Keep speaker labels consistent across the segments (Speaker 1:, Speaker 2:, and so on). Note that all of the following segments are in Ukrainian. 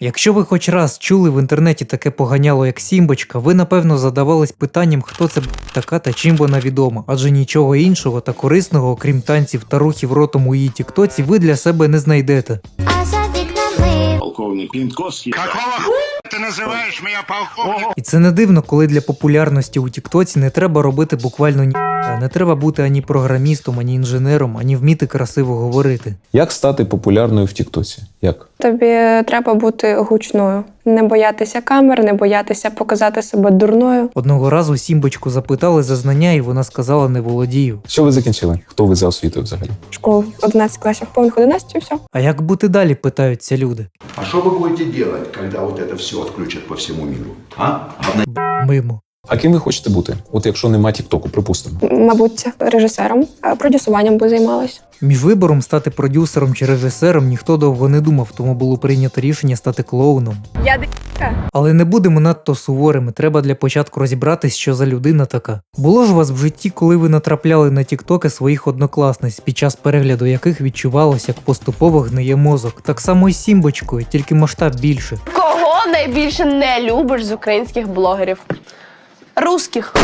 Speaker 1: Якщо ви хоч раз чули в інтернеті таке поганяло, як Сімбочка, ви напевно задавались питанням, хто це така та чим вона відома, адже нічого іншого та корисного, окрім танців та рухів ротом у її тіктоці, ви для себе не знайдете.
Speaker 2: Полковник Пінковський.
Speaker 3: Какого ты называешь меня полковник?
Speaker 1: І це не дивно, коли для популярності у тіктоці не треба робити буквально не треба бути ані програмістом, ані інженером, ані вміти красиво говорити.
Speaker 4: Як стати популярною в тіктоці? Як?
Speaker 5: Тобі треба бути гучною, не боятися камер, не боятися показати себе дурною.
Speaker 1: Одного разу Сімбочку запитали за знання, і вона сказала: не володію.
Speaker 4: Що ви закінчили? Хто ви за освітою взагалі?
Speaker 5: Школу 11 класів, повних 11 і все.
Speaker 1: А як бути далі, питаються люди.
Speaker 2: А что вы будете делать, когда вот это все отключат по всему миру? А?
Speaker 1: Мимо.
Speaker 4: А ким ви хочете бути? От якщо нема тіктоку, припустимо.
Speaker 5: Мабуть, режисером, продюсуванням би займалась.
Speaker 1: Між вибором стати продюсером чи режисером ніхто довго не думав, тому було прийнято рішення стати клоуном.
Speaker 5: Я д**ка.
Speaker 1: Але не будемо надто суворими, треба для початку розібратись, що за людина така. Було ж у вас в житті, коли ви натрапляли на тіктоки своїх однокласниць, під час перегляду яких відчувалося, як поступово гниє мозок. Так само і з Сімбочкою, тільки масштаб більше.
Speaker 6: Кого найбільше не любиш з українських блогерів? Русських.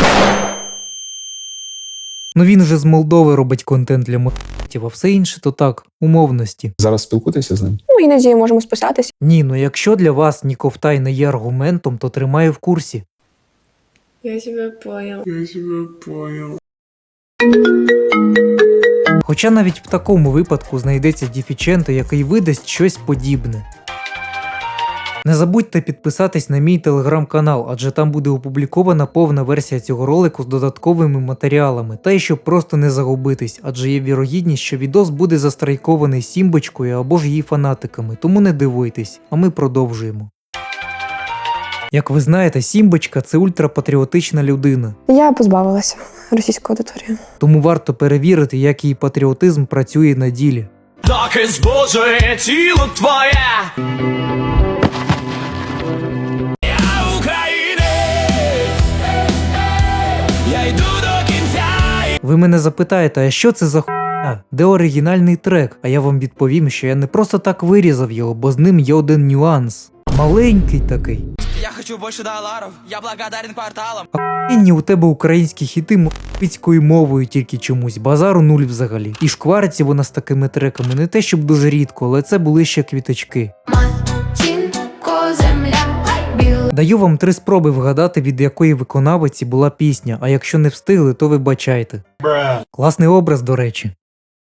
Speaker 1: Ну він же з Молдови робить контент для мотивів, а все інше то так, умовності.
Speaker 4: Зараз спілкуєтеся з ним?
Speaker 5: Ну, іноді можемо списатися.
Speaker 1: Ні, ну якщо для вас Ніковтай не є аргументом, то тримаю в курсі.
Speaker 5: Я тебе понял.
Speaker 1: Хоча навіть в такому випадку знайдеться дефіченто, який видасть щось подібне. Не забудьте підписатись на мій телеграм-канал, адже там буде опублікована повна версія цього ролику з додатковими матеріалами, та й щоб просто не загубитись, адже є вірогідність, що відос буде застрайкований Сімбочкою або ж її фанатиками, тому не дивуйтесь, а ми продовжуємо. Як ви знаєте, Сімбочка – це ультрапатріотична людина,
Speaker 5: Я позбавилася російської аудиторії.
Speaker 1: тому варто перевірити, як її патріотизм працює на ділі.
Speaker 7: Так і збожує тіло твоє. Я українець, я йду до кінця.
Speaker 1: Ви мене запитаєте, а що це за хуйня? Де оригінальний трек? А я вам відповім, що я не просто так вирізав його, бо з ним є один нюанс. Маленький такий.
Speaker 7: Я хочу більше доларів, я благодарен кварталам.
Speaker 1: Охуєнні у тебе українські хіти мовицькою мовою тільки чомусь, базару нуль взагалі. І шквариться вона з такими треками не те щоб дуже рідко, але це були ще квіточки. Даю вам 3 спроби вгадати, від якої виконавиці була пісня, а якщо не встигли, то вибачайте. Класний образ, до речі.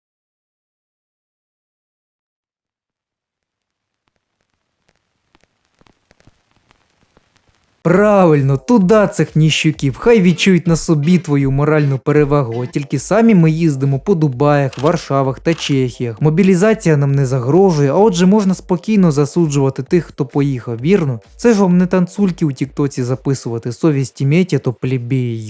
Speaker 1: Правильно, туди цих ніщуків, хай відчують на собі твою моральну перевагу, от тільки самі ми їздимо по Дубаях, Варшавах та Чехіях. Мобілізація нам не загрожує, а отже можна спокійно засуджувати тих, хто поїхав, вірно? Це ж вам не танцульки у тіктоці записувати, совість імейте, то плебеї.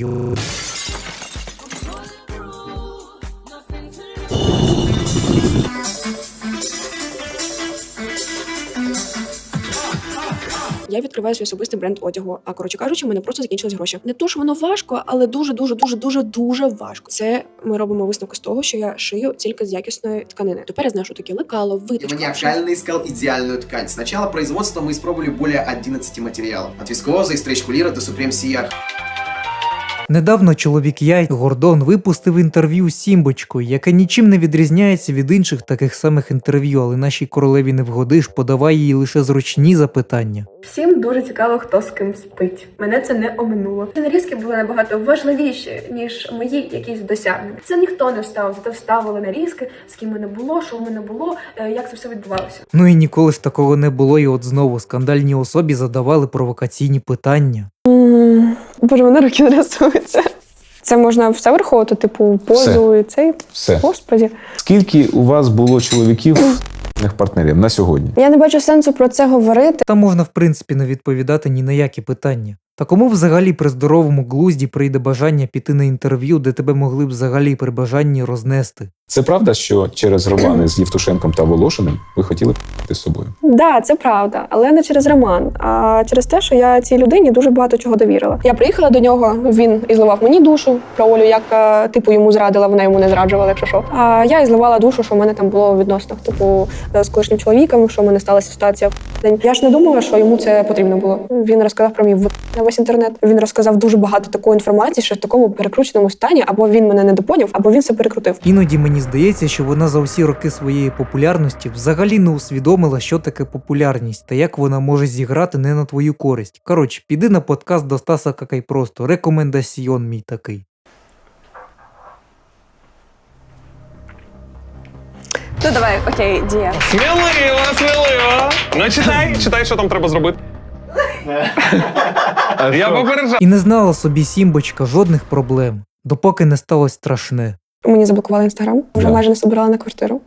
Speaker 8: Я відкриваю свій особистий бренд одягу. А коротше кажучи, в мене просто закінчились гроші. Не то, що воно важко, але дуже важко. Це ми робимо висновки з того, що я шию тільки з якісної тканини. Тепер я знаю, що таке лекало, виточка.
Speaker 9: Маниакально искал идеальную ткань. С начала производства мы испробовали более 11 материалов. От вискозы и стрейч-кулира до Supreme CR.
Speaker 1: Недавно чоловік Яй Гордон випустив інтерв'ю з Сімбочкою, яке нічим не відрізняється від інших таких самих інтерв'ю, але нашій королеві не вгодиш, подавай їй лише зручні запитання.
Speaker 10: Всім дуже цікаво, хто з ким спить. Мене це не оминуло. Нарізки були набагато важливіші, ніж мої якісь досягнення. Це ніхто не вставив, зато вставили нарізки, з ким мене було, що в мене було, як це все відбувалося.
Speaker 1: Ну і ніколи ж такого не було, і от знову скандальній особі задавали провокаційні питання.
Speaker 5: Боже, мене руки не рисуються. Це можна все враховувати, типу позу і цей.
Speaker 4: Все.
Speaker 5: Господі.
Speaker 4: Скільки у вас було чоловіків партнерів на сьогодні?
Speaker 5: Я не бачу сенсу про це говорити.
Speaker 1: Та можна в принципі не відповідати ні на які питання. Та кому взагалі при здоровому глузді прийде бажання піти на інтерв'ю, де тебе могли б взагалі при бажанні рознести?
Speaker 4: Це правда, що через романи з Євтушенком та Волошиним ви хотіли б з собою?
Speaker 5: Да, це правда, але не через роман, а через те, що я цій людині дуже багато чого довірила. Я приїхала до нього, він і зливав мені душу про Олю, як типу йому зрадила, вона йому не зраджувала, якщо що. А я і зливала душу, що в мене там було у відносинах, типу з колишнім чоловіком, що в мене сталася ситуація. Я ж не думала, що йому це потрібно було. Він розказав про мій на весь інтернет. Він розказав дуже багато такої інформації, що в такому перекрученому стані, або він мене не допоняв, або він все перекрутив.
Speaker 1: Іноді мені здається, що вона за всі роки своєї популярності взагалі не усвідомила, що таке популярність та як вона може зіграти не на твою користь. Коротше, піди на подкаст до Стаса Какай просто. Рекомендаціон мій такий.
Speaker 6: Ну давай, окей, дія.
Speaker 11: Сміливо! Ну читай, що там треба зробити. Я попереджаю.
Speaker 1: І не знала собі Сімбочка жодних проблем, допоки не сталося страшне.
Speaker 5: Мені заблокували інстаграм, вже
Speaker 4: Да.
Speaker 5: майже не збирала на квартиру.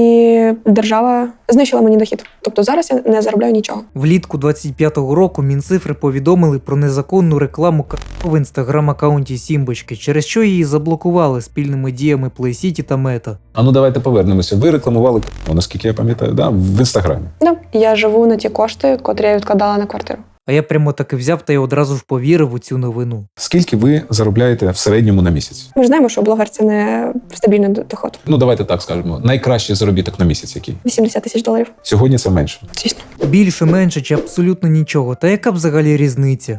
Speaker 5: І держава знищила мені дохід. Тобто зараз я не заробляю нічого.
Speaker 1: Влітку 25-го року Мінцифри повідомили про незаконну рекламу в інстаграм-аккаунті Сімбочки, через що її заблокували спільними діями PlayCity та Мета.
Speaker 4: А ну давайте повернемося. Ви рекламували, наскільки я пам'ятаю, да, в Інстаграмі.
Speaker 5: Да. Я живу на ті кошти, котрі я відкладала на квартиру.
Speaker 1: А я прямо таки взяв та й одразу ж повірив у цю новину.
Speaker 4: Скільки ви заробляєте в середньому на місяць?
Speaker 5: Ми ж знаємо, що блогер – це не стабільний доход.
Speaker 4: Ну давайте так скажемо. Найкращий заробіток на місяць який?
Speaker 5: $80 тисяч.
Speaker 4: Сьогодні це менше.
Speaker 5: Звісно.
Speaker 1: Більше, менше чи абсолютно нічого. Та яка взагалі різниця?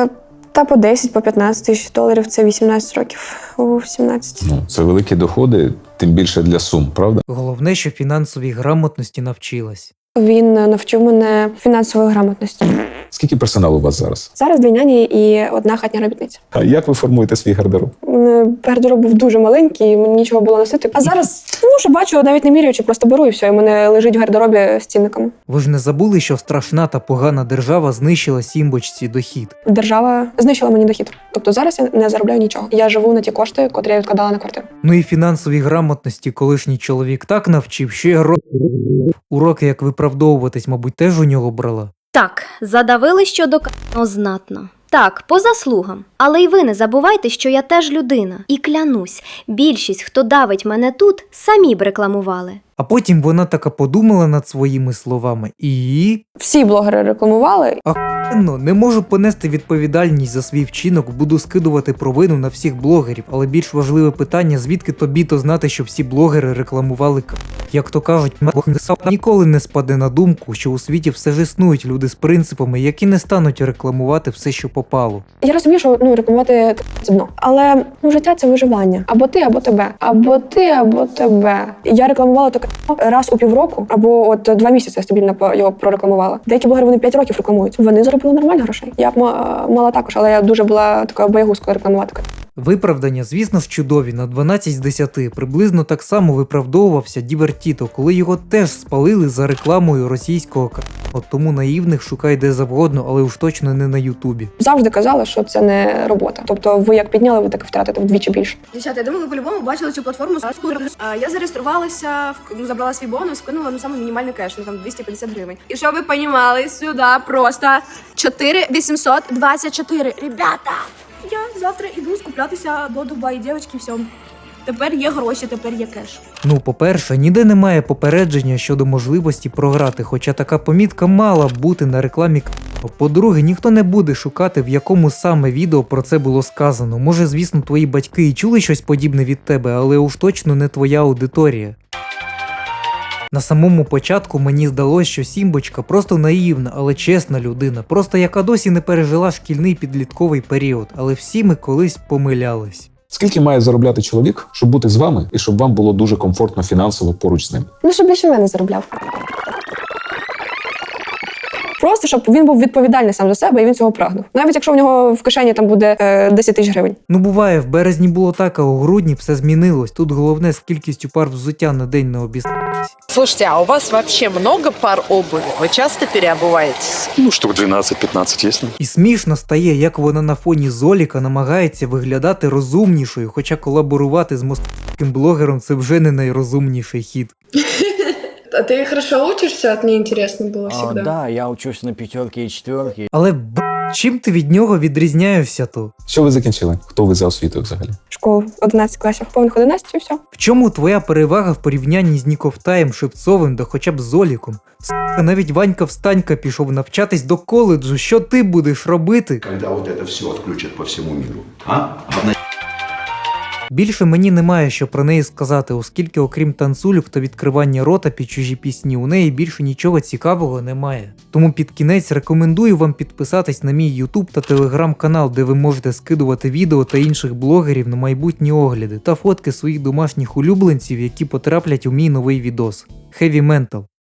Speaker 5: Та по 10, по 15 тисяч доларів – це 18 років. У 17.
Speaker 4: Ну, це великі доходи, тим більше для сум, правда?
Speaker 1: Головне, що фінансовій грамотності навчилась.
Speaker 5: Він навчив мене фінансової грамотності.
Speaker 4: Скільки персоналу у вас зараз?
Speaker 5: Зараз 2 няні і 1 хатня робітниця.
Speaker 4: А як ви формуєте свій гардероб?
Speaker 5: Гардероб був дуже маленький, мені нічого було носити. А зараз, що бачу, навіть не міряючи, просто беру і все, і в мене лежить в гардеробі з цінниками.
Speaker 1: Ви ж не забули, що страшна та погана держава знищила Сімбочці дохід?
Speaker 5: Держава знищила мені дохід. Тобто зараз я не заробляю нічого. Я живу на ті кошти, котрі я відкладала на квартиру.
Speaker 1: Ну і фінансовій грамотності колишній чоловік так навчив, що я уроки, як виправдовуватись, мабуть, теж у нього брала.
Speaker 12: Так, задавили щодо к***но знатно. Так, по заслугам. Але й ви не забувайте, що я теж людина. І клянусь, більшість, хто давить мене тут, самі б рекламували.
Speaker 1: А потім вона така подумала над своїми словами і...
Speaker 5: Всі блогери рекламували.
Speaker 1: Ахуєнно, не можу понести відповідальність за свій вчинок, буду скидувати провину на всіх блогерів, але більш важливе питання, звідки тобі-то знати, що всі блогери рекламували Як то кажуть, ніколи не спаде на думку, що у світі все ж існують люди з принципами, які не стануть рекламувати все, що попало.
Speaker 5: Я розумію, що рекламувати це дно. Але життя – це виживання. Або ти, або тебе. Або ти, або тебе. Я рекламувала таке раз у півроку, або от 2 місяці я стабільно його прорекламувала. Деякі блогери, вони 5 років рекламують. Вони заробили нормально грошей. Я б мала також, але я дуже була такою боягузкою рекламувати.
Speaker 1: Виправдання, звісно ж, чудові, на 12 з 10. Приблизно так само виправдовувався Дівертіто, коли його теж спалили за рекламою російського От тому наївних шукай де завгодно, але уж точно не на Ютубі.
Speaker 5: Завжди казали, що це не робота. Тобто ви як підняли, ви так і втратите вдвічі більше.
Speaker 10: Дівчата, я думаю, ви по-любому бачили цю платформу. Я зареєструвалася, забрала свій бонус, вкинула на самий мінімальний кеш, там 250 гривень. І щоб ви розуміли, сюди просто 4824. Ребята, я завтра іду скуплятися до Дубаї, дівчатки, все. Тепер є гроші, тепер є кеш.
Speaker 1: Ну, по-перше, ніде немає попередження щодо можливості програти, хоча така помітка мала б бути на рекламі. По-друге, ніхто не буде шукати, в якому саме відео про це було сказано. Може, звісно, твої батьки і чули щось подібне від тебе, але уж точно не твоя аудиторія. На самому початку мені здалося, що Сімбочка просто наївна, але чесна людина, просто яка досі не пережила шкільний підлітковий період, але всі ми колись помилялись.
Speaker 4: Скільки має заробляти чоловік, щоб бути з вами і щоб вам було дуже комфортно фінансово поруч з ним?
Speaker 5: Ну, щоб більше мене заробляв. Просто, щоб він був відповідальний сам за себе і він цього прагнув. Навіть якщо в нього в кишені там буде 10 тисяч гривень.
Speaker 1: Ну буває, в березні було так, а у грудні все змінилось. Тут головне з кількістю пар взуття на день не обіцяйтесь.
Speaker 13: Слушайте, а у вас вообще много пар обуви? Ви часто переобуваєтесь?
Speaker 14: Ну, штук 12-15 есть.
Speaker 1: І смішно стає, як вона на фоні Золіка намагається виглядати розумнішою, хоча колаборувати з московським блогером – це вже не найрозумніший хід.
Speaker 10: А ты хорошо учишься? От мне интересно было всегда.
Speaker 15: Да, я учусь на 5 и 4.
Speaker 1: Але Чим ти від нього відрізняєшся то?
Speaker 4: Що ви закінчили? Хто ви за освітою взагалі?
Speaker 5: Школу 11 класів, повних 11 і все.
Speaker 1: В чому твоя перевага в порівнянні з Ніковтаєм, Шевцовим да хоча б з Оліком? Сука, навіть Ванька Встанька пішов навчатись до коледжу. Що ти будеш робити?
Speaker 2: Когда вот это все отключат по всему миру.
Speaker 1: Більше мені немає що про неї сказати, оскільки окрім танцюльок та відкривання рота під чужі пісні, у неї більше нічого цікавого немає. Тому під кінець рекомендую вам підписатись на мій YouTube та Telegram канал, де ви можете скидувати відео та інших блогерів на майбутні огляди та фотки своїх домашніх улюбленців, які потраплять у мій новий відос. Heavy Mental.